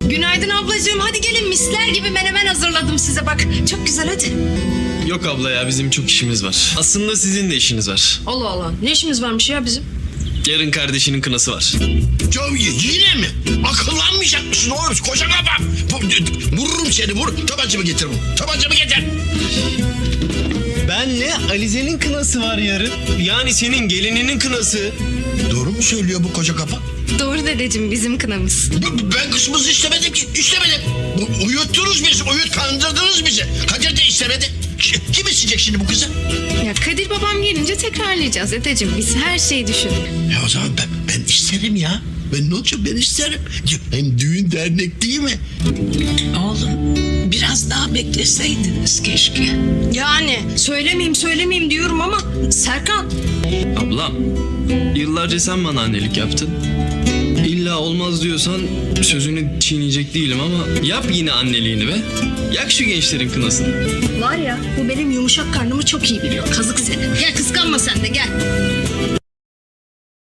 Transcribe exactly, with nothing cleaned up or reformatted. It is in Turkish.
Günaydın ablacığım. Hadi gelin, misler gibi menemen hazırladım size bak. Çok güzel, hadi. Yok abla ya, bizim çok işimiz var. Aslında sizin de işiniz var. Allah Allah. Ne işimiz varmış ya bizim? Yarın kardeşinin kınası var. Ya yine mi? Akıllanmayacak mısın oğlum? Koca kafa. Vururum seni, vur. Tabancamı getir bu. Tabancamı getir. Benle Alize'nin kınası var yarın. Yani senin gelininin kınası. Doğru mu söylüyor bu koca kafa? Doğru dedeciğim, bizim kınamız. B- Ben kızımızı istemedim ki. İstemedim. Bu- Uyuttunuz bizi. Uyut kandırdınız bizi. Kadir de istemedi. Ki- Kim isteyecek şimdi bu kızı? Ya Kadir babam gelince tekrarlayacağız dedeciğim. Biz her şeyi düşündük. Ya o zaman ben, ben isterim ya. Ben ne olacak, ben isterim. Hem düğün dernek değil mi? Oğlum biraz daha bekleseydiniz keşke. Yani söylemeyeyim söylemeyeyim diyorum ama Serkan. Ablam, yıllarca sen bana annelik yaptın. İlla olmaz diyorsan sözünü çiğneyecek değilim ama yap yine anneliğini be. Yak şu gençlerin kınasını. Var ya, bu benim yumuşak karnımı çok iyi biliyor. Kazık seni. Gel kıskanma sen de, gel.